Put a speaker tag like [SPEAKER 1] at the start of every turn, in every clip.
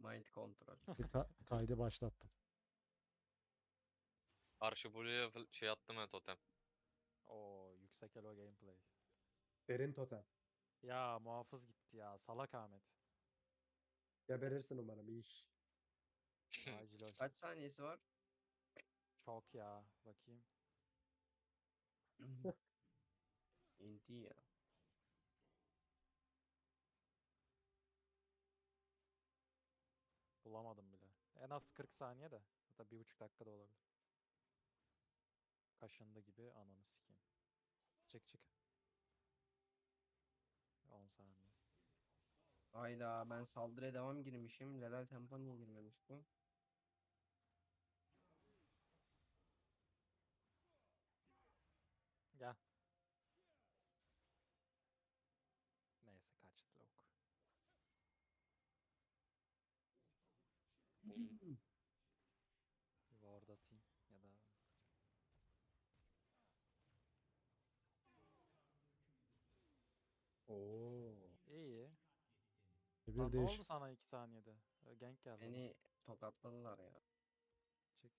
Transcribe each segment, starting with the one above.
[SPEAKER 1] Mind kontrol.
[SPEAKER 2] Kaydı başlattım.
[SPEAKER 3] Karşı Blue'ya şey attım ya totem.
[SPEAKER 4] Oo yüksek elo gameplay.
[SPEAKER 5] Derin totem.
[SPEAKER 4] Ya muhafız gitti ya. Salak Ahmet.
[SPEAKER 5] Geberirsin umarım. İş.
[SPEAKER 4] Acil ol.
[SPEAKER 1] Kaç saniyesi var?
[SPEAKER 4] Çok ya. Bakayım.
[SPEAKER 1] İnti ya.
[SPEAKER 4] Bulamadım bile. En az 40 saniye de. Hatta 1,5 dakika da olabilir. Kaşındı gibi ananı sikeyim. Çık çık. 10 saniye.
[SPEAKER 1] Hayda ben saldırıya devam girmişim. Lelal tempo niye girmemiş bu?
[SPEAKER 4] Gel. Neyse kaçtı lavuk. Bir ward atayım ya da
[SPEAKER 5] Oo.
[SPEAKER 4] iyi.
[SPEAKER 2] Bir
[SPEAKER 4] Lan ne
[SPEAKER 2] değiş.
[SPEAKER 4] oldu sana 2 saniyede? Gank geldi. ona.
[SPEAKER 1] Beni tokatladılar ya.
[SPEAKER 4] Çık.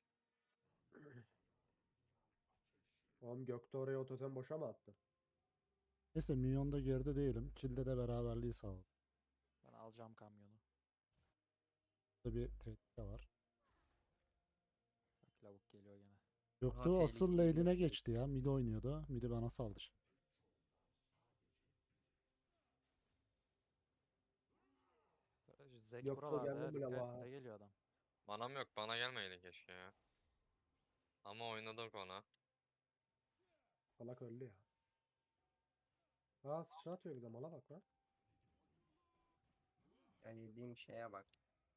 [SPEAKER 5] Oğlum Gökte oraya o totem boşa mı attı?
[SPEAKER 2] Neyse minyonda geride değilim. Kilde de beraberliği sağladım.
[SPEAKER 4] Ben alacağım kamyonu.
[SPEAKER 2] Burada bir tehdit de var.
[SPEAKER 4] Bak lavuk geliyor gene.
[SPEAKER 2] Yoktu asıl
[SPEAKER 1] tehlikeli
[SPEAKER 2] lane'ine
[SPEAKER 1] bir-
[SPEAKER 2] geçti ya. Mid oynuyordu. Mid'i bana saldı şimdi.
[SPEAKER 4] Zek
[SPEAKER 5] Yok, o
[SPEAKER 4] buralarda
[SPEAKER 5] geldi
[SPEAKER 4] ya.
[SPEAKER 5] bile
[SPEAKER 4] Dikkat
[SPEAKER 5] la.
[SPEAKER 4] et, ne geliyor adam.
[SPEAKER 3] Manam yok, bana gelmeydi keşke ya. Ama oynadık ona.
[SPEAKER 5] Salak öldü ya. Aa sıçra atıyor bir de mala bak lan.
[SPEAKER 1] Yani dediğim şeye bak.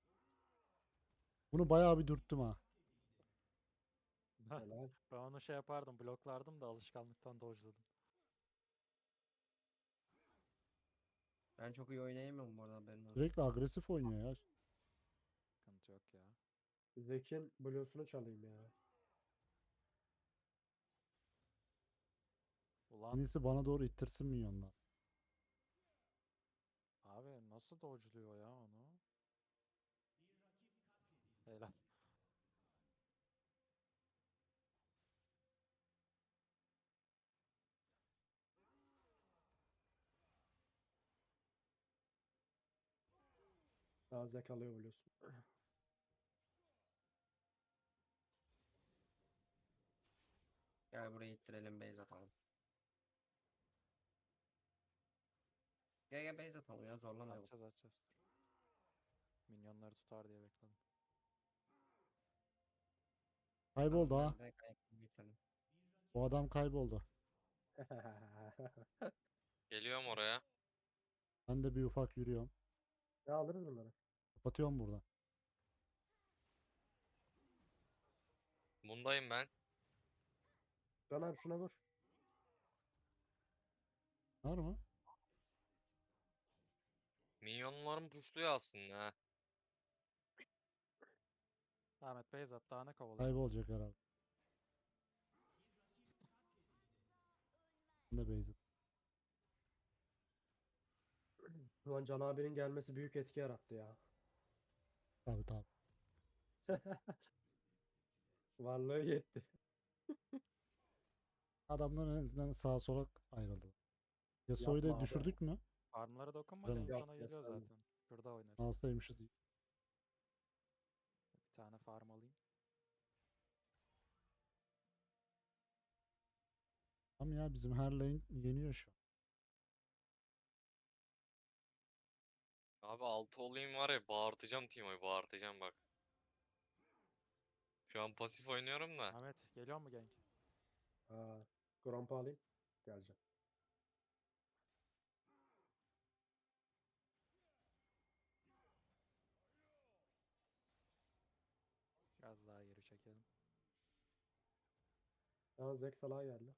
[SPEAKER 2] Bunu bayağı bir dürttüm ha.
[SPEAKER 5] Helal.
[SPEAKER 4] Ben onu şey yapardım, bloklardım da alışkanlıktan dodge'ladım.
[SPEAKER 1] Ben çok iyi oynayamıyorum bu arada benim.
[SPEAKER 2] Sürekli agresif oynuyor ya.
[SPEAKER 4] Sıkıntı yok ya.
[SPEAKER 5] Zek'in blues'unu çalayım ya.
[SPEAKER 2] En
[SPEAKER 4] Ulan
[SPEAKER 2] iyisi bana doğru ittirsin minyonlar.
[SPEAKER 4] abi nasıl dodge'luyor ya onu? Helal.
[SPEAKER 5] Daha Zek alıyor blues'unu.
[SPEAKER 1] Gel buraya ittirelim base atalım. Gel gel base atalım ya zorlamayalım.
[SPEAKER 4] Atacağız. Minyonları tutar diye bekledim.
[SPEAKER 2] Kayboldu ha.
[SPEAKER 1] Ben de ayakta bitirelim.
[SPEAKER 2] Bu adam kayboldu.
[SPEAKER 3] Geliyorum oraya.
[SPEAKER 2] Ben de bir ufak yürüyorum.
[SPEAKER 5] Ya alırız bunları.
[SPEAKER 2] Kapatıyorum buradan.
[SPEAKER 3] Bundayım ben.
[SPEAKER 5] Can abi şuna vur.
[SPEAKER 2] Var mı?
[SPEAKER 3] Minyonlarım puşluyor aslında ha.
[SPEAKER 4] Ahmet Beyzat daha ne kovalıyor?
[SPEAKER 2] Kaybolacak herhalde. Ben de base.
[SPEAKER 5] Şu an Can abinin gelmesi büyük etki yarattı ya.
[SPEAKER 2] Tabii tabii.
[SPEAKER 5] Varlığı yetti.
[SPEAKER 2] Adamlar en azından sağa sola ayrıldı. Yasuo'yu
[SPEAKER 5] Yapma
[SPEAKER 2] da
[SPEAKER 5] abi.
[SPEAKER 2] düşürdük mü?
[SPEAKER 4] Farmlara dokunma,
[SPEAKER 2] Canım.
[SPEAKER 4] lane
[SPEAKER 5] Yok,
[SPEAKER 4] sana geliyor
[SPEAKER 5] gösterme.
[SPEAKER 4] zaten. Şurada oynarız.
[SPEAKER 2] Mouse'daymışız.
[SPEAKER 4] Bir tane farm alayım.
[SPEAKER 2] Tamam ya bizim her lane yeniyor şu an.
[SPEAKER 3] Abi 6 olayım var ya, bağırtacağım Timo'yu, bağırtacağım bak. Şu an pasif oynuyorum da.
[SPEAKER 4] Ahmet geliyor mu gank?
[SPEAKER 5] Aa, Gromp'u alayım. Geleceğim.
[SPEAKER 4] Biraz daha geri çekelim.
[SPEAKER 5] Aa Zek salağa geldi.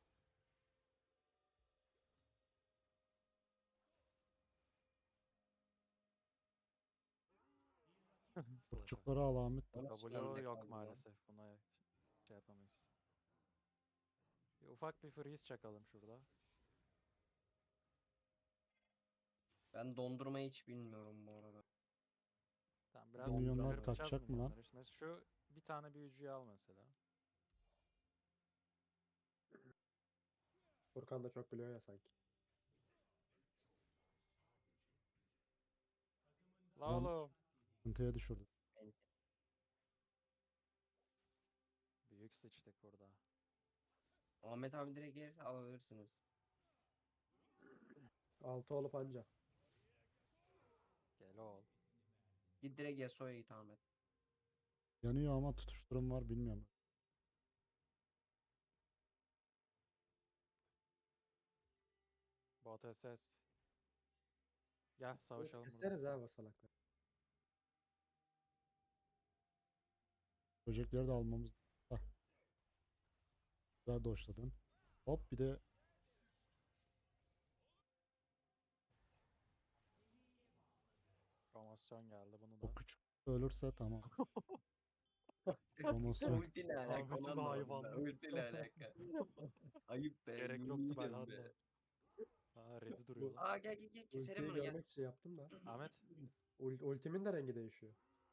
[SPEAKER 2] Kurçukları al Ahmet.
[SPEAKER 1] Onu
[SPEAKER 4] W
[SPEAKER 1] bende
[SPEAKER 4] yok
[SPEAKER 1] kaldı ya.
[SPEAKER 4] maalesef. Buna şey yapamayız. Bir ufak bir freeze çakalım şurada.
[SPEAKER 1] Ben dondurmayı hiç bilmiyorum bu arada.
[SPEAKER 4] Tamam Biraz
[SPEAKER 2] milyonlar
[SPEAKER 4] kırpacağız
[SPEAKER 2] kaçacak mı lan?
[SPEAKER 4] milyonları. İşte şu bir tane büyücüyü al mesela.
[SPEAKER 5] Furkan da çok biliyor ya sanki.
[SPEAKER 4] La
[SPEAKER 2] Lan-
[SPEAKER 4] oğlum.
[SPEAKER 2] Sıkıntıya düşürdü.
[SPEAKER 4] Büyük sıçtık burada.
[SPEAKER 1] Ahmet abi direkt gelirse alabilirsiniz.
[SPEAKER 5] 6 olup anca.
[SPEAKER 4] Gel oğul.
[SPEAKER 1] Git direkt Yasuo'ya git Ahmet.
[SPEAKER 2] Yanıyor ama tutuşturum var bilmiyorum.
[SPEAKER 4] Bot SS. Gel savaşalım burada.
[SPEAKER 5] Keseriz ha bu salakları.
[SPEAKER 2] Böcekleri de almamız. Hah. Güzel doşladın. Hop bir de
[SPEAKER 4] Promosyon geldi bunu
[SPEAKER 2] o
[SPEAKER 4] da.
[SPEAKER 2] küçük ölürse tamam. Promosyon.
[SPEAKER 1] Ulti ne alaka?
[SPEAKER 4] Ahmet'in
[SPEAKER 1] Onu anlamadım ben.
[SPEAKER 4] hayvanlığı.
[SPEAKER 1] Ulti ne alaka? Ayıp be.
[SPEAKER 4] Gerek
[SPEAKER 1] yemin
[SPEAKER 4] yoktu
[SPEAKER 1] ederim
[SPEAKER 4] Belhanda.
[SPEAKER 1] be.
[SPEAKER 4] Aa ready duruyor lan.
[SPEAKER 1] Aa gel keselim
[SPEAKER 5] Ultiyi
[SPEAKER 1] bunu gel.
[SPEAKER 5] görmek için yaptım da.
[SPEAKER 4] Ahmet.
[SPEAKER 5] Ultimin de rengi değişiyor.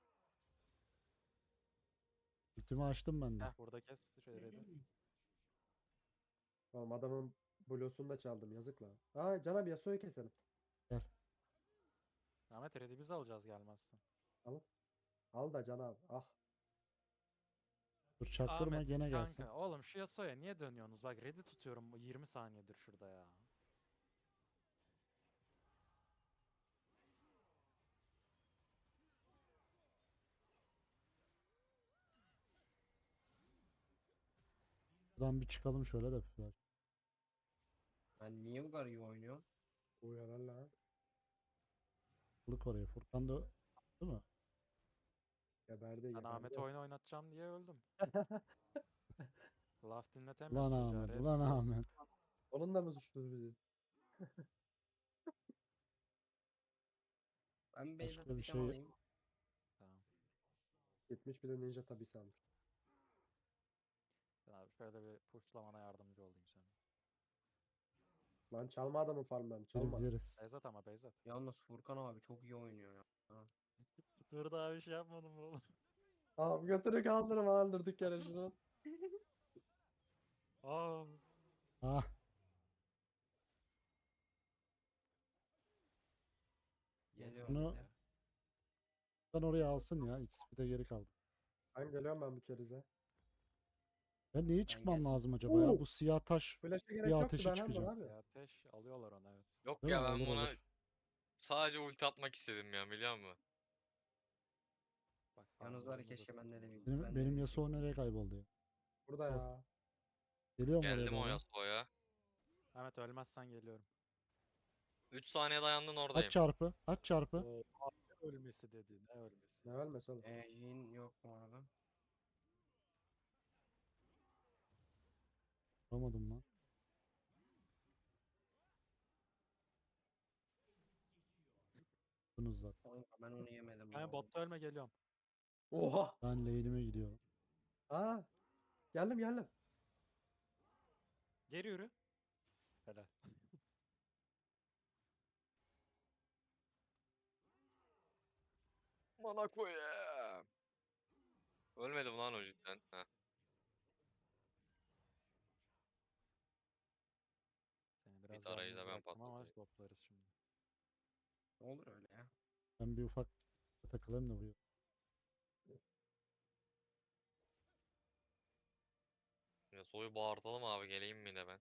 [SPEAKER 2] Ultimi açtım ben de.
[SPEAKER 4] Heh burada kes. Ready.
[SPEAKER 5] Oğlum adamın blosunu da çaldım yazık lan. Aa Can abi Yasuo'yu keselim.
[SPEAKER 4] Ahmet ready biz alacağız gelmezsen.
[SPEAKER 5] Al da Can abi. Ah.
[SPEAKER 2] Dur çaktırma
[SPEAKER 4] Ahmet
[SPEAKER 2] gene
[SPEAKER 4] kanka.
[SPEAKER 2] gelsin.
[SPEAKER 4] Oğlum şu Yasuo'ya niye dönüyorsunuz? Bak ready tutuyorum 20 saniyedir şurada ya.
[SPEAKER 2] Buradan bir çıkalım şöyle de.
[SPEAKER 1] Ben niye bu kadar iyi oynuyorum?
[SPEAKER 5] Uyanar lan.
[SPEAKER 2] Kılık oraya. Furkan da değil mi?
[SPEAKER 5] Geberdi
[SPEAKER 4] Ben
[SPEAKER 5] geberdi.
[SPEAKER 4] Ahmet'i oyun oynatacağım diye öldüm. Laf dinletemiyoruz
[SPEAKER 2] Ulan
[SPEAKER 4] çocuğa.
[SPEAKER 2] Ahmet,
[SPEAKER 4] ready
[SPEAKER 2] ulan
[SPEAKER 4] diyoruz.
[SPEAKER 2] Ahmet.
[SPEAKER 5] Onun da mı suçluyuz bizi?
[SPEAKER 1] Ben
[SPEAKER 2] Başka
[SPEAKER 1] Beyzat'ı
[SPEAKER 2] bir
[SPEAKER 1] bir
[SPEAKER 2] şey-
[SPEAKER 1] alayım.
[SPEAKER 4] Tamam.
[SPEAKER 5] Gitmiş bir de ninja tabi almış.
[SPEAKER 4] Ben abi şöyle bir pushlamana yardımcı olayım sana.
[SPEAKER 5] Lan çalma adamın farmlarını çalma.
[SPEAKER 2] Yeriz.
[SPEAKER 4] Beyzat ama Beyzat.
[SPEAKER 1] Yalnız Furkan abi çok iyi oynuyor ya.
[SPEAKER 4] Dur daha bir şey yapmadım oğlum.
[SPEAKER 5] Abi götünü kaldırma lan durduk yere şunu.
[SPEAKER 4] Aa.
[SPEAKER 2] Ah
[SPEAKER 1] Geliyorum.
[SPEAKER 2] Bunu-
[SPEAKER 1] bir de.
[SPEAKER 2] ben oraya alsın ya. XP de geri kaldı.
[SPEAKER 5] Ben geliyorum ben bir kerize.
[SPEAKER 2] Ben neyi çıkmam
[SPEAKER 1] geldim.
[SPEAKER 2] lazım acaba ya?
[SPEAKER 5] Oo!
[SPEAKER 2] Bu siyah taş
[SPEAKER 5] Flash'a gerek
[SPEAKER 2] Bir
[SPEAKER 5] yoktu
[SPEAKER 2] ateşe
[SPEAKER 5] ben
[SPEAKER 2] çıkacağım.
[SPEAKER 5] abi.
[SPEAKER 4] Ya ateş alıyorlar onu evet.
[SPEAKER 3] Yok
[SPEAKER 2] değil
[SPEAKER 3] ya
[SPEAKER 2] mi?
[SPEAKER 3] ben
[SPEAKER 2] Olur
[SPEAKER 3] buna
[SPEAKER 2] olur.
[SPEAKER 3] sadece ulti atmak istedim ya biliyor musun?
[SPEAKER 4] Bak
[SPEAKER 1] Yalnız var ya
[SPEAKER 4] farmlarını da
[SPEAKER 1] keşke bende de
[SPEAKER 4] tuttum
[SPEAKER 1] bir.
[SPEAKER 4] burada.
[SPEAKER 2] Benim,
[SPEAKER 1] ben de
[SPEAKER 2] benim
[SPEAKER 1] bir
[SPEAKER 2] Yasuo
[SPEAKER 1] şey-
[SPEAKER 2] nereye kayboldu ya?
[SPEAKER 5] Burada ya.
[SPEAKER 2] Geliyorum oraya
[SPEAKER 3] Geldim o
[SPEAKER 2] doğru.
[SPEAKER 3] Yasuo'ya.
[SPEAKER 4] Ahmet ölmezsen geliyorum.
[SPEAKER 3] 3 saniye dayandın
[SPEAKER 2] Aç
[SPEAKER 3] oradayım.
[SPEAKER 2] çarpı. Aç çarpı.
[SPEAKER 4] Oo, ne ölmesi dedi ne ölmesi.
[SPEAKER 5] Ne ölmesi oğlum.
[SPEAKER 1] Jhin yok bu arada.
[SPEAKER 2] Vuramadım lan. Bunuz zaten.
[SPEAKER 1] Kanka ben onu yemedim. bu
[SPEAKER 4] Ben
[SPEAKER 1] arada.
[SPEAKER 4] botta ölme geliyorum.
[SPEAKER 5] Oha.
[SPEAKER 2] Ben lane'ime gidiyorum.
[SPEAKER 5] Aa. Geldim.
[SPEAKER 4] Geri yürü. Helal.
[SPEAKER 3] Bana koyayım. Ölmedim lan o cidden. Heh.
[SPEAKER 4] Seni biraz
[SPEAKER 3] arayı da
[SPEAKER 4] yalnız
[SPEAKER 3] ben
[SPEAKER 4] bıraktım ama
[SPEAKER 3] patlatayım.
[SPEAKER 4] toplarız şimdi.
[SPEAKER 1] Ne olur öyle ya.
[SPEAKER 2] Ben bir ufak takılayım da buraya.
[SPEAKER 3] Yasuo'yu bağırtalım abi geleyim mi de ben.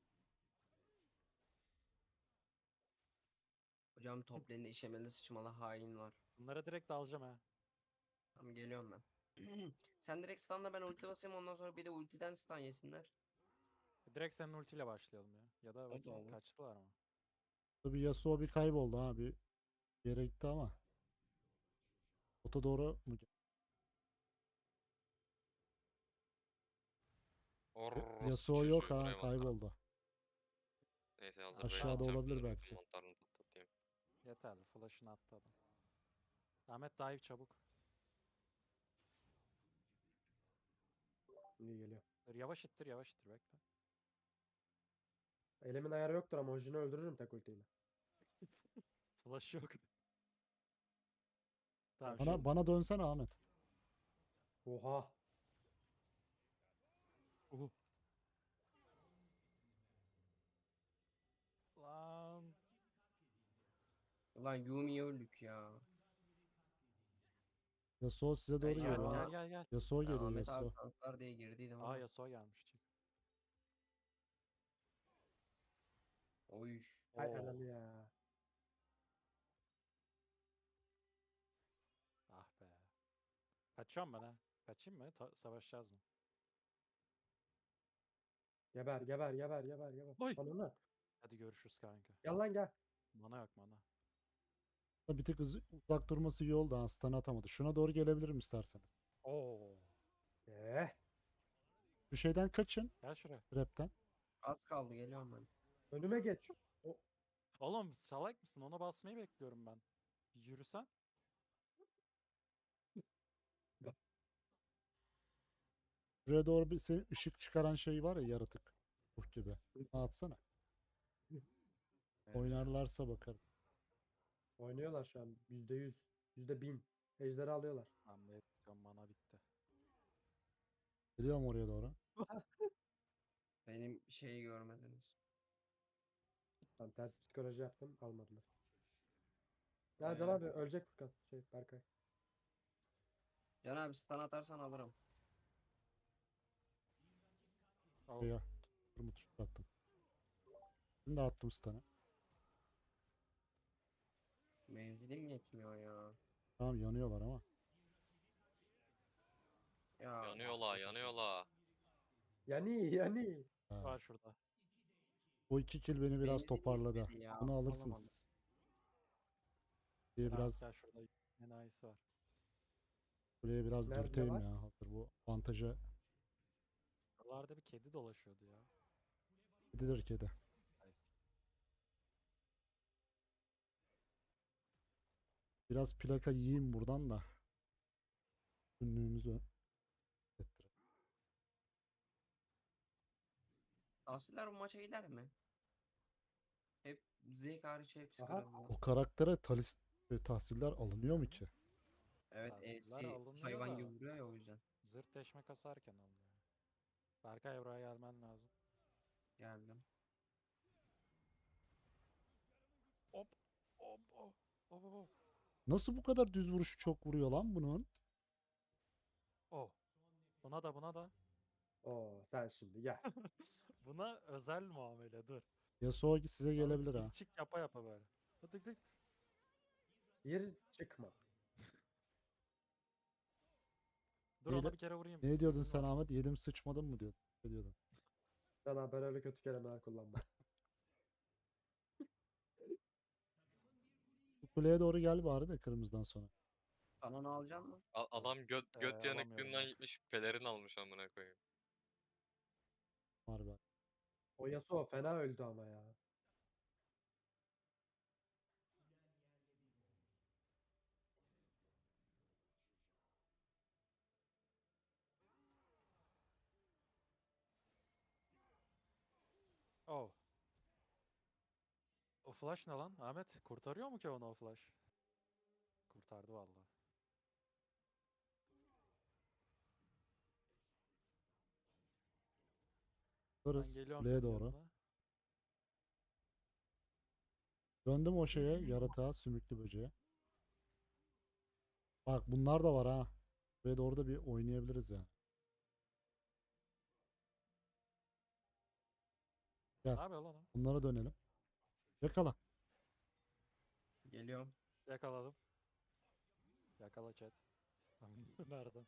[SPEAKER 1] Hocam top lane'de işemeli sıçmalı hain var.
[SPEAKER 4] Bunlara direkt dalacağım ha.
[SPEAKER 1] Tamam geliyorum ben. Sen direkt stunla ben ulti basayım ondan sonra bir de ultiden stun yesinler.
[SPEAKER 4] Direkt senin ultiyle başlayalım ya. Ya da
[SPEAKER 1] da
[SPEAKER 4] bakayım
[SPEAKER 1] olur.
[SPEAKER 4] kaçtılar mı?
[SPEAKER 2] Tabii Yasuo bir kayboldu ha. Bir yere gitti ama. Ota doğru mu?
[SPEAKER 3] Orospu
[SPEAKER 2] Yasuo yok
[SPEAKER 3] çocuğu,
[SPEAKER 2] ha.
[SPEAKER 3] buraya mantar-
[SPEAKER 2] Kayboldu.
[SPEAKER 3] Neyse hazır
[SPEAKER 2] Aşağıda
[SPEAKER 3] böyle
[SPEAKER 2] olabilir
[SPEAKER 3] atacağım,
[SPEAKER 2] belki.
[SPEAKER 3] mantarını patlatayım.
[SPEAKER 4] Yeterli. Flash'ını attı adam. Ahmet dive çabuk.
[SPEAKER 5] İyi geliyor.
[SPEAKER 4] Dur, yavaş ittir bekle.
[SPEAKER 5] Elimin ayarı yoktur ama Ojin'i öldürürüm tek ultiyle.
[SPEAKER 4] Flash yok. Tamam
[SPEAKER 2] Bana,
[SPEAKER 4] şimdi.
[SPEAKER 2] bana dönsene Ahmet.
[SPEAKER 5] Oha.
[SPEAKER 4] Uhu. Lan.
[SPEAKER 1] Ulan Yumi'yi öldük ya.
[SPEAKER 2] Yasuo size doğru
[SPEAKER 1] Ya,
[SPEAKER 4] Gel
[SPEAKER 2] geliyor.
[SPEAKER 4] gel
[SPEAKER 1] Aa.
[SPEAKER 4] gel gel.
[SPEAKER 2] Yasuo
[SPEAKER 1] Ben
[SPEAKER 2] geliyor
[SPEAKER 1] Ahmet abi
[SPEAKER 2] Yasuo.
[SPEAKER 1] tanklar diye girdiydim
[SPEAKER 4] Aa
[SPEAKER 1] ama.
[SPEAKER 4] Yasuo gelmiş. Çık.
[SPEAKER 1] Oy.
[SPEAKER 5] Hay
[SPEAKER 4] Oo.
[SPEAKER 5] ananı ya.
[SPEAKER 4] Ah be. Kaçıyorum ben ha. Kaçayım mı? Savaşacağız mı?
[SPEAKER 5] Geber geber geber geber geber.
[SPEAKER 4] Oy.
[SPEAKER 5] Ananı.
[SPEAKER 4] Hadi görüşürüz kanka.
[SPEAKER 5] Gel lan gel.
[SPEAKER 4] Mana yok mana.
[SPEAKER 2] Bir tık uzak durması iyi oldu. Stun atamadı. Şuna doğru gelebilirim isterseniz.
[SPEAKER 4] Oo.
[SPEAKER 2] Şu şeyden kaçın.
[SPEAKER 4] Gel şuraya.
[SPEAKER 2] Trap'ten.
[SPEAKER 1] Az kaldı geliyorum ben.
[SPEAKER 5] Önüme geç. O,
[SPEAKER 4] Oğlum salak mısın? Ona basmayı bekliyorum ben. Bir yürüsen.
[SPEAKER 2] Şuraya doğru bir senin ışık çıkaran şey var ya, yaratık. Ruh gibi. Onu atsana. Oynarlarsa bakarım.
[SPEAKER 5] oynuyorlar şu an. %100. %1000. Ejderi alıyorlar.
[SPEAKER 4] Ben bekliyorum mana bitti.
[SPEAKER 2] Geliyorum oraya doğru.
[SPEAKER 1] Benim şeyi görmediniz.
[SPEAKER 5] Ben ters psikoloji yaptım. Almadılar. Ya Can abi ölecek Furkan. Berkay.
[SPEAKER 1] Can abi stun atarsan alırım.
[SPEAKER 4] Oh.
[SPEAKER 2] Buraya Turmut şut attım. Şimdi attım stun'ı.
[SPEAKER 1] Menzilim yetmiyor ya.
[SPEAKER 2] Tamam yanıyorlar ama.
[SPEAKER 1] Ya
[SPEAKER 3] Yanıyorlar yanıyorlar.
[SPEAKER 5] Yani yani.
[SPEAKER 2] Ha.
[SPEAKER 4] Var şurada.
[SPEAKER 2] O 2 kill beni biraz
[SPEAKER 1] Benzinim
[SPEAKER 2] toparladı.
[SPEAKER 1] yetmedi ya,
[SPEAKER 2] Bunu alırsınız
[SPEAKER 1] alamadım.
[SPEAKER 2] siz. Kuleye
[SPEAKER 4] Biraz
[SPEAKER 2] biraz,
[SPEAKER 4] gel şurada. Enayisi var.
[SPEAKER 2] kuleye biraz
[SPEAKER 5] Nerede
[SPEAKER 2] dürteyim
[SPEAKER 5] var?
[SPEAKER 2] ya. Hazır bu avantaja
[SPEAKER 4] Buralarda bir kedi dolaşıyordu ya.
[SPEAKER 2] gidilir kedi.
[SPEAKER 4] Nice.
[SPEAKER 2] Biraz plaka yiyeyim buradan da. Günlüğümüzü ettirelim.
[SPEAKER 1] Tahsiller bu maça gider mi? Hep Zek hariç hepsi
[SPEAKER 5] Aha.
[SPEAKER 1] kırıldı.
[SPEAKER 2] O karaktere tahsiller alınıyor mu ki?
[SPEAKER 1] Evet
[SPEAKER 4] Tahsiller alınıyor
[SPEAKER 1] hayvan
[SPEAKER 4] da.
[SPEAKER 1] gibi vuruyor ya o yüzden.
[SPEAKER 4] Zırt deşme kasarken alınıyor. Berkay buraya gelmen lazım.
[SPEAKER 1] Geldim.
[SPEAKER 4] Hop. Hop. Hop. Hop. Hop.
[SPEAKER 2] Nasıl bu kadar düz vuruşu çok vuruyor lan bunun?
[SPEAKER 4] Oh. Buna da buna da.
[SPEAKER 5] Oo sen şimdi gel.
[SPEAKER 4] Buna özel muamele dur.
[SPEAKER 2] Yasuo size gelebilir
[SPEAKER 4] Çık
[SPEAKER 2] ha.
[SPEAKER 4] çık yapa yapa böyle. Tık tık.
[SPEAKER 5] Bir çıkma.
[SPEAKER 4] Dur
[SPEAKER 2] Neyle-
[SPEAKER 4] ona bir kere vurayım.
[SPEAKER 2] Ne diyordun
[SPEAKER 4] Ultim
[SPEAKER 2] sen
[SPEAKER 4] var.
[SPEAKER 2] Ahmet? Yedim sıçmadım mı diyordun? Ne diyordun?
[SPEAKER 5] Can abi ben öyle kötü kelimeler kullanmam.
[SPEAKER 2] Bu kuleye doğru gel bari de kırmızıdan sonra.
[SPEAKER 1] Kanonu alacak mı?
[SPEAKER 3] Adam göt
[SPEAKER 4] alamıyorum
[SPEAKER 3] yanıklığından
[SPEAKER 4] yok.
[SPEAKER 3] gitmiş pelerin almış amına koyayım.
[SPEAKER 2] Harbi.
[SPEAKER 5] O Yasuo fena öldü ama ya.
[SPEAKER 4] Oh. O flash ne lan? Ahmet kurtarıyor mu ki onu o flash? Kurtardı vallahi. Ben
[SPEAKER 2] Varız
[SPEAKER 4] geliyorum
[SPEAKER 2] kuleye
[SPEAKER 4] senin
[SPEAKER 2] doğru.
[SPEAKER 4] yanına.
[SPEAKER 2] Döndüm o şeye, yaratığa, sümüklü böceğe. Bak bunlar da var ha. Buraya doğru da bir oynayabiliriz yani. Gel.
[SPEAKER 4] Ne yapıyor lan o?
[SPEAKER 2] Bunlara dönelim. Yakala.
[SPEAKER 1] Geliyorum.
[SPEAKER 4] Yakaladım. Yakala chat. Nereden?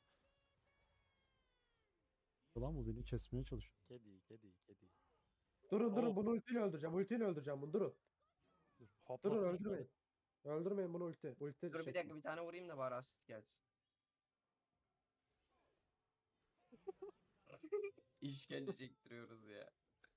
[SPEAKER 2] Ulan bu beni kesmeye çalışıyor.
[SPEAKER 4] Kedi, kedi, kedi.
[SPEAKER 5] Durun
[SPEAKER 4] Oo.
[SPEAKER 5] bunu ultiyle öldüreceğim. Ultiyle öldüreceğim bunu durun.
[SPEAKER 4] Dur.
[SPEAKER 5] Durun
[SPEAKER 4] Hoplasın şöyle.
[SPEAKER 5] öldürmeyin. Öldürmeyin bunu ulti. Ulti
[SPEAKER 1] Dur bir
[SPEAKER 5] şekli.
[SPEAKER 1] dakika bir tane vurayım da bari asist gelsin. İşkence çektiriyoruz ya.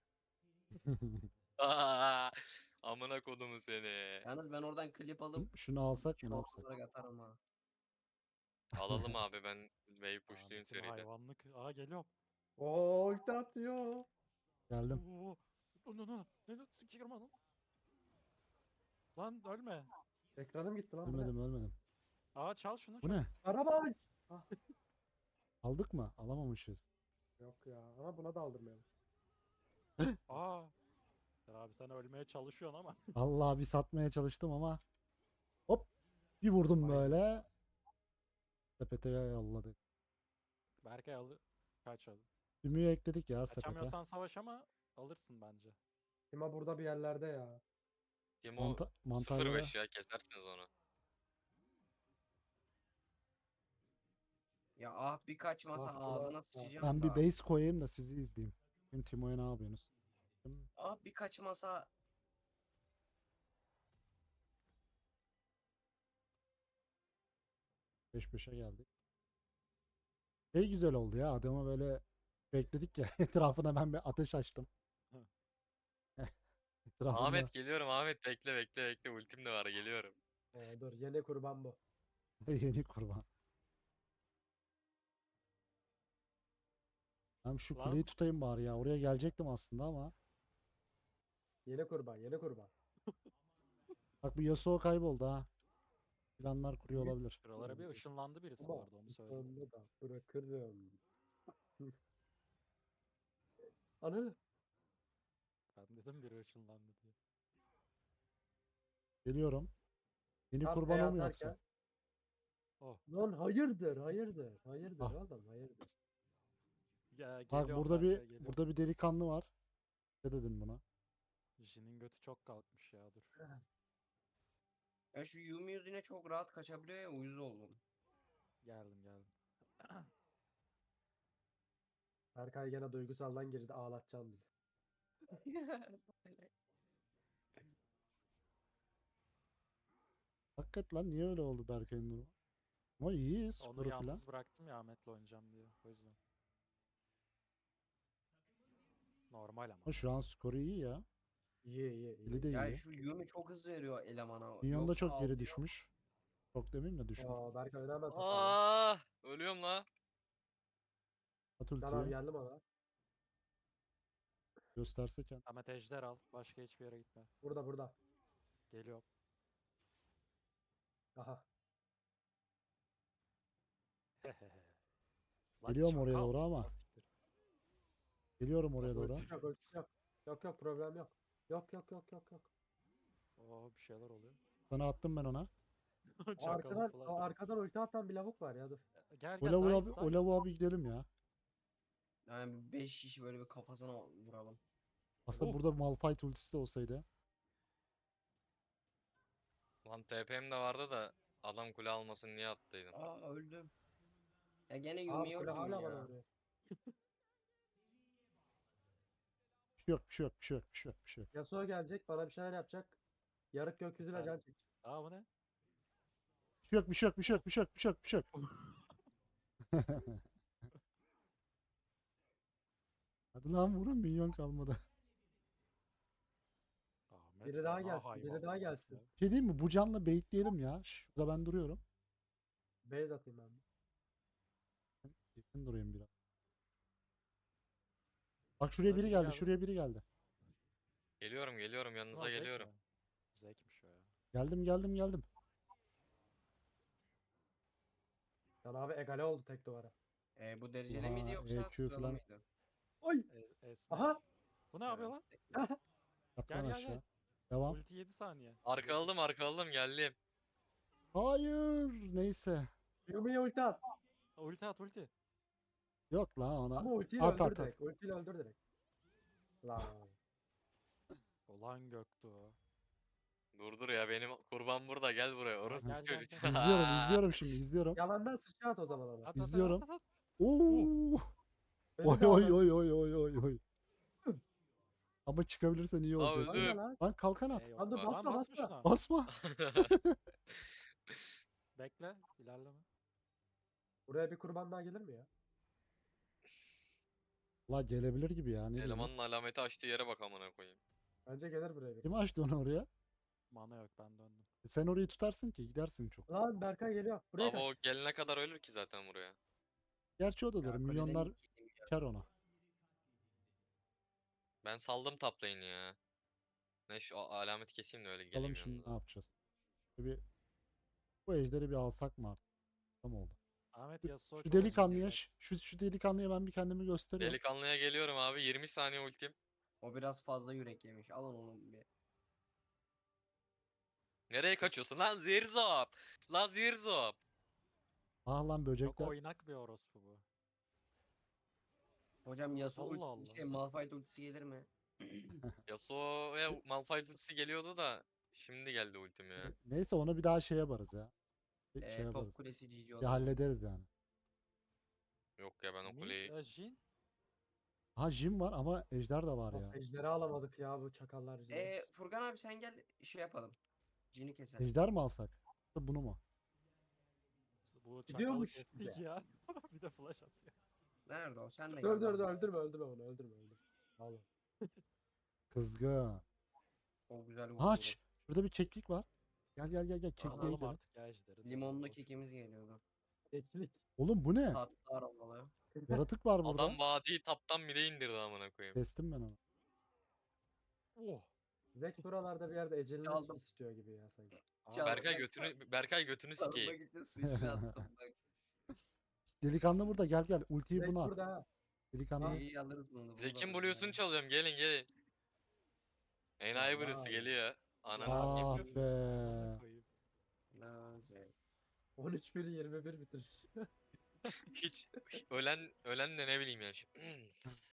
[SPEAKER 3] Aa, amına kodumu seni.
[SPEAKER 1] Yalnız ben oradan klip alıp
[SPEAKER 2] Şunu alsak mı, ne
[SPEAKER 1] çoğal
[SPEAKER 2] yapsak?
[SPEAKER 1] olarak atarım ha.
[SPEAKER 3] Alalım abi ben wave pushlayayım
[SPEAKER 4] Ahmet'in
[SPEAKER 3] seride.
[SPEAKER 4] hayvanlık. Aa geliyorum.
[SPEAKER 5] Oo ulti atıyor.
[SPEAKER 2] Geldim.
[SPEAKER 4] Oo. Ne sikirma lan. Lan ölme.
[SPEAKER 5] Ekranım gitti lan bu ne?
[SPEAKER 2] Ölmedim ölmedim.
[SPEAKER 4] Aa çal şunu
[SPEAKER 2] Bu
[SPEAKER 4] çal.
[SPEAKER 2] ne?
[SPEAKER 5] Araba! Ah,
[SPEAKER 2] Aldık mı? Alamamışız.
[SPEAKER 5] yok ya ama buna da aldırmayalım.
[SPEAKER 4] Aa. Ya abi sen ölmeye çalışıyorsun ama.
[SPEAKER 2] Allah bir satmaya çalıştım ama hop bir vurdum
[SPEAKER 5] Vay.
[SPEAKER 2] böyle. Sepete yolladı.
[SPEAKER 4] Berkay kaç al.
[SPEAKER 2] Ümüğü ekledik ya sepete.
[SPEAKER 4] Kaçamıyorsan savaş ama alırsın bence.
[SPEAKER 5] Tima burada bir yerlerde ya.
[SPEAKER 3] Timo
[SPEAKER 2] Mantarları
[SPEAKER 3] 0-5 ya kesersiniz onu.
[SPEAKER 1] Ya ah bir kaçmasa
[SPEAKER 5] Ah, bu da-
[SPEAKER 1] ağzına
[SPEAKER 5] ah.
[SPEAKER 1] sıçacağım
[SPEAKER 2] ben bir
[SPEAKER 1] da.
[SPEAKER 2] base koyayım da sizi izleyeyim. Şimdi Timo'ya ne yapıyorsunuz?
[SPEAKER 1] Ah bir kaçmasa.
[SPEAKER 2] Beş beşe geldik. Şey güzel oldu ya adamı böyle bekledik ya etrafına ben bir ateş açtım.
[SPEAKER 4] Hı.
[SPEAKER 2] Etrafında
[SPEAKER 3] Ahmet geliyorum Ahmet bekle bekle bekle ultim de var geliyorum.
[SPEAKER 5] Dur yeni kurban bu.
[SPEAKER 2] yeni kurban. Ben şu
[SPEAKER 4] Lan.
[SPEAKER 2] kuleyi tutayım bari ya. Oraya gelecektim aslında ama.
[SPEAKER 5] Yeni kurban, yeni kurban.
[SPEAKER 2] Bak bu Yasuo kayboldu ha. Planlar kuruyor olabilir.
[SPEAKER 4] Şuralara bir ışınlandı birisi bu
[SPEAKER 5] Ama
[SPEAKER 4] arada onu söyleyeyim.
[SPEAKER 5] sonunda da bırakırım. Ananı.
[SPEAKER 4] Ben dedim biri ışınlandı diye.
[SPEAKER 2] Geliyorum. Yeni
[SPEAKER 5] Tam
[SPEAKER 2] kurban
[SPEAKER 5] E
[SPEAKER 2] o mu
[SPEAKER 5] atarken-
[SPEAKER 2] yoksa?
[SPEAKER 4] Oh.
[SPEAKER 5] Lan hayırdır, hayırdır, hayırdır
[SPEAKER 2] Ah.
[SPEAKER 5] oğlum, hayırdır.
[SPEAKER 4] Ya,
[SPEAKER 2] Bak
[SPEAKER 4] geliyorum
[SPEAKER 2] burada
[SPEAKER 4] Berkay,
[SPEAKER 2] bir
[SPEAKER 4] geliyorum.
[SPEAKER 2] burada bir delikanlı var. Ne dedin buna?
[SPEAKER 4] Jin'in götü çok kalkmış ya dur.
[SPEAKER 1] Ya şu Yumi yüzüne çok rahat kaçabiliyor ya uyuz oldum.
[SPEAKER 4] Geldim.
[SPEAKER 5] Berkay gene duygusaldan girdi, ağlatacağım bizi.
[SPEAKER 2] Hakikaten lan niye öyle oldu Berkay'ın durumu? Ama iyi
[SPEAKER 4] Onu
[SPEAKER 2] skoru falan.
[SPEAKER 4] yalnız bıraktım ya Ahmet'le oynayacağım diye. O yüzden. Normal ama.
[SPEAKER 2] Ama şu an skoru iyi ya.
[SPEAKER 5] İyi, iyi, iyi.
[SPEAKER 2] Eli de
[SPEAKER 1] Ya
[SPEAKER 2] iyi.
[SPEAKER 1] şu Yumi çok hızlı veriyor elemana.
[SPEAKER 2] Minyon da
[SPEAKER 1] Yoksa
[SPEAKER 2] çok geri
[SPEAKER 1] ağlıyor.
[SPEAKER 2] düşmüş. Çok demeyeyim de düşmüş.
[SPEAKER 5] Berkay önemli toparlan.
[SPEAKER 3] Ölüyorum la.
[SPEAKER 2] At
[SPEAKER 5] Can abi
[SPEAKER 2] ultiyi.
[SPEAKER 5] geldim ona.
[SPEAKER 2] Gösterse kendini.
[SPEAKER 4] Ahmet ejder al. Başka hiçbir yere gitme.
[SPEAKER 5] Burada, burada.
[SPEAKER 4] Geliyorum.
[SPEAKER 5] Aha.
[SPEAKER 4] Lan
[SPEAKER 2] Geliyorum oraya
[SPEAKER 4] çakal.
[SPEAKER 2] doğru ama.
[SPEAKER 4] Ha, siktir.
[SPEAKER 2] Geliyorum oraya
[SPEAKER 4] Nasıl
[SPEAKER 2] doğru.
[SPEAKER 4] ulti?
[SPEAKER 5] Yok, ölçüsü yok. Yok, yok, problem yok. Yok, yok, yok, yok, yok.
[SPEAKER 4] Oo bir şeyler oluyor.
[SPEAKER 2] Sana attım ben ona.
[SPEAKER 4] Çakalın
[SPEAKER 5] Arkadan,
[SPEAKER 4] falan.
[SPEAKER 5] o arkadan ulti atan bir lavuk var ya, dur.
[SPEAKER 4] Gel
[SPEAKER 2] O
[SPEAKER 4] gel
[SPEAKER 2] lavuğa
[SPEAKER 4] dive,
[SPEAKER 2] bir,
[SPEAKER 4] dive.
[SPEAKER 2] o lavuğa bir gidelim ya.
[SPEAKER 1] Yani 5 kişi böyle bir kafasına vuralım.
[SPEAKER 2] Aslında
[SPEAKER 4] Oh.
[SPEAKER 2] burada Malphite ultisi de olsaydı.
[SPEAKER 3] Lan TP'm de vardı da adam kule almasın niye attıydım.
[SPEAKER 1] Aa öldüm. Ya gene
[SPEAKER 5] Abi
[SPEAKER 1] Yumi
[SPEAKER 5] kule
[SPEAKER 1] yok
[SPEAKER 5] hala
[SPEAKER 1] Yumi
[SPEAKER 5] bana
[SPEAKER 1] ya.
[SPEAKER 5] vuruyor.
[SPEAKER 2] Bir şey yok, bir şey yok, bir şey yok, bir şey yok, bir şey yok.
[SPEAKER 5] Yasuo gelecek, bana bir şeyler yapacak. Yarık gökyüzüne
[SPEAKER 4] Sen-
[SPEAKER 5] can çek.
[SPEAKER 4] Aa bu ne?
[SPEAKER 2] Bir şey yok, bir şey yok, bir şey yok, bir şey yok, bir şey yok, bir şey yok. Hadi lan vurun minyon kalmadı.
[SPEAKER 4] Ahmet
[SPEAKER 5] Biri daha
[SPEAKER 4] fena
[SPEAKER 5] gelsin,
[SPEAKER 4] hayvan
[SPEAKER 5] biri daha
[SPEAKER 4] ya.
[SPEAKER 5] gelsin.
[SPEAKER 2] Bir şey diyeyim mi? Bu canla baitleyelim ya. Şurada ben duruyorum.
[SPEAKER 5] Base atayım ben.
[SPEAKER 2] Yakın durayım biraz. Bak şuraya
[SPEAKER 4] Burada
[SPEAKER 2] biri
[SPEAKER 4] biri
[SPEAKER 2] geldi,
[SPEAKER 4] geldi.
[SPEAKER 2] şuraya biri geldi.
[SPEAKER 3] Geliyorum yanınıza
[SPEAKER 4] Ulan zevk
[SPEAKER 3] geliyorum.
[SPEAKER 4] mi? Zevkmiş o ya.
[SPEAKER 2] Geldim.
[SPEAKER 5] Can abi egale oldu tek duvara.
[SPEAKER 1] Bu dereceli miydi
[SPEAKER 2] Oha,
[SPEAKER 1] yoksa
[SPEAKER 2] EQ
[SPEAKER 1] sıralı
[SPEAKER 2] falan.
[SPEAKER 1] mıydı?
[SPEAKER 5] Oy!
[SPEAKER 4] Esnek.
[SPEAKER 5] Aha!
[SPEAKER 4] Bu ne yapıyor lan?
[SPEAKER 2] At
[SPEAKER 4] Gel,
[SPEAKER 2] lan
[SPEAKER 4] gel,
[SPEAKER 2] aşağı.
[SPEAKER 4] gel.
[SPEAKER 2] Devam.
[SPEAKER 4] Ulti 7 saniye.
[SPEAKER 3] Arka aldım geldim.
[SPEAKER 2] Hayır. Neyse.
[SPEAKER 5] Yumi'ye ulti at.
[SPEAKER 4] Ulti at ulti.
[SPEAKER 2] Yok la ona.
[SPEAKER 5] Ama ultiyle
[SPEAKER 2] At,
[SPEAKER 5] öldür
[SPEAKER 2] at.
[SPEAKER 5] direkt. Ultiyle öldür direkt. Lan.
[SPEAKER 4] Ulan Göktuğ.
[SPEAKER 3] Dur ya benim kurban burada gel buraya. Orası
[SPEAKER 4] Gel, gel,
[SPEAKER 3] çocuk.
[SPEAKER 4] gel.
[SPEAKER 2] İzliyorum şimdi izliyorum.
[SPEAKER 5] Yalandan sıçra at o zaman ona.
[SPEAKER 4] At,
[SPEAKER 2] İzliyorum.
[SPEAKER 4] At.
[SPEAKER 2] Oo.
[SPEAKER 5] Beni
[SPEAKER 2] Oy
[SPEAKER 5] de
[SPEAKER 2] oy
[SPEAKER 5] alın.
[SPEAKER 2] oy oy oy oy oy. Ama çıkabilirsen iyi
[SPEAKER 3] Aa,
[SPEAKER 2] olacak.
[SPEAKER 3] öldü.
[SPEAKER 5] Aynen lan.
[SPEAKER 2] Lan kalkan at.
[SPEAKER 4] Yok
[SPEAKER 5] Lan dur,
[SPEAKER 4] lan,
[SPEAKER 5] basma,
[SPEAKER 4] basma
[SPEAKER 5] basma.
[SPEAKER 4] şuna.
[SPEAKER 2] Basma.
[SPEAKER 4] Bekle. İlerleme.
[SPEAKER 5] Buraya bir kurban daha gelir mi ya?
[SPEAKER 2] La gelebilir gibi ya. Ne
[SPEAKER 3] Elemanın
[SPEAKER 2] diyorsunuz?
[SPEAKER 3] alameti açtığı yere bak amına koyayım.
[SPEAKER 5] Bence gelir buraya bir.
[SPEAKER 2] Kim açtı onu oraya?
[SPEAKER 4] Mana yok ben döndüm.
[SPEAKER 2] Sen orayı tutarsın ki gidersin çok.
[SPEAKER 5] Lan Berkay geliyor. Buraya
[SPEAKER 3] Ama
[SPEAKER 5] kaç.
[SPEAKER 3] o gelene kadar ölür ki zaten buraya.
[SPEAKER 2] Gerçi o da
[SPEAKER 1] Ya
[SPEAKER 2] doğru.
[SPEAKER 1] kuleden
[SPEAKER 2] Milyonlar
[SPEAKER 1] iki-
[SPEAKER 2] kar ona.
[SPEAKER 3] Ben saldım top lane'i ya. Ne şu alameti keseyim de öyle
[SPEAKER 2] Bakalım
[SPEAKER 3] geleyim
[SPEAKER 2] şimdi
[SPEAKER 3] yanınıza.
[SPEAKER 2] ne yapacağız. Bir Bu ejderi bir alsak mı artık? Tam oldu.
[SPEAKER 4] Ahmet
[SPEAKER 2] Şu,
[SPEAKER 4] Yasuo
[SPEAKER 2] şu
[SPEAKER 4] çok acil
[SPEAKER 2] delikanlıya
[SPEAKER 4] dikkat.
[SPEAKER 2] şu delikanlıya ben bir kendimi gösteriyorum.
[SPEAKER 3] Delikanlıya geliyorum abi. 20 saniye ultim.
[SPEAKER 1] O biraz fazla yürek yemiş. Alın onu bir.
[SPEAKER 3] Nereye kaçıyorsun lan Zirzop? Lan Zirzop.
[SPEAKER 2] Ah lan
[SPEAKER 4] Çok
[SPEAKER 2] böcekler.
[SPEAKER 4] oynak bir orospu bu.
[SPEAKER 1] Hocam Yasuo
[SPEAKER 4] Allah
[SPEAKER 1] ultisi
[SPEAKER 4] Allah.
[SPEAKER 1] Malphite ultisi gelir mi?
[SPEAKER 3] Yasuo ve Malphite ultisi geliyordu da şimdi geldi ultim ya.
[SPEAKER 2] Neyse onu bir daha şey yaparız ya. Bir şey yaparız.
[SPEAKER 1] Top kulesi GG
[SPEAKER 2] Bir
[SPEAKER 1] olur.
[SPEAKER 2] hallederiz yani.
[SPEAKER 3] Yok ya ben o
[SPEAKER 4] Mid,
[SPEAKER 3] kuleyi...
[SPEAKER 4] Jhin.
[SPEAKER 2] Ha Jim var ama ejder de var ya.
[SPEAKER 5] Ejderi alamadık ya bu çakallar yüzünden.
[SPEAKER 1] Furkan abi sen gel şey yapalım. Cini keselim.
[SPEAKER 2] Ejder mi alsak? Bunu mu?
[SPEAKER 4] Bu çakalı
[SPEAKER 5] Gidiyormuş
[SPEAKER 4] kestik
[SPEAKER 5] bize.
[SPEAKER 4] ya. Bir de flash atıyor.
[SPEAKER 1] Nerede o? Sen de
[SPEAKER 5] Dur
[SPEAKER 1] gel.
[SPEAKER 5] dur dur
[SPEAKER 1] bana.
[SPEAKER 5] öldürme onu öldürme. Vallahi.
[SPEAKER 2] Kızgın.
[SPEAKER 1] O güzel vurdu.
[SPEAKER 2] Ha şurada bir keklik var. Gel kekliğe
[SPEAKER 4] Alalım
[SPEAKER 2] gidelim.
[SPEAKER 4] artık ya ejderi. dur,
[SPEAKER 1] Limonlu
[SPEAKER 4] boş ver.
[SPEAKER 1] kekimiz geliyordu.
[SPEAKER 5] Eklik.
[SPEAKER 2] Oğlum bu ne?
[SPEAKER 1] Tatlı aromalı.
[SPEAKER 2] Yaratık var burada.
[SPEAKER 3] Adam vadiyi taptan mid'e indirdi amına koyayım.
[SPEAKER 2] Kestim ben onu.
[SPEAKER 4] Oh.
[SPEAKER 5] Zek buralarda bir yerde ecelini
[SPEAKER 1] Aldım.
[SPEAKER 5] istiyor gibi ya sanki.
[SPEAKER 1] Çal-
[SPEAKER 3] Berkay götünü
[SPEAKER 1] Sarılmak
[SPEAKER 3] sikeyim.
[SPEAKER 1] için sıçra attım bak.
[SPEAKER 2] Delikanlı burada gel. Ultiyi
[SPEAKER 5] Zek
[SPEAKER 2] buna at.
[SPEAKER 5] burada ha.
[SPEAKER 2] Delikanlı.
[SPEAKER 1] İyi alırız bunu.
[SPEAKER 3] Zekin Blue'sunu çalıyorum gelin. Enayi
[SPEAKER 5] Vay.
[SPEAKER 3] Blue'su geliyor. Ananı sikeyim.
[SPEAKER 2] Ah
[SPEAKER 4] Amına
[SPEAKER 2] be.
[SPEAKER 4] koyayım.
[SPEAKER 5] 13-1 21 bitir.
[SPEAKER 3] Hiç ölen de ne bileyim ya.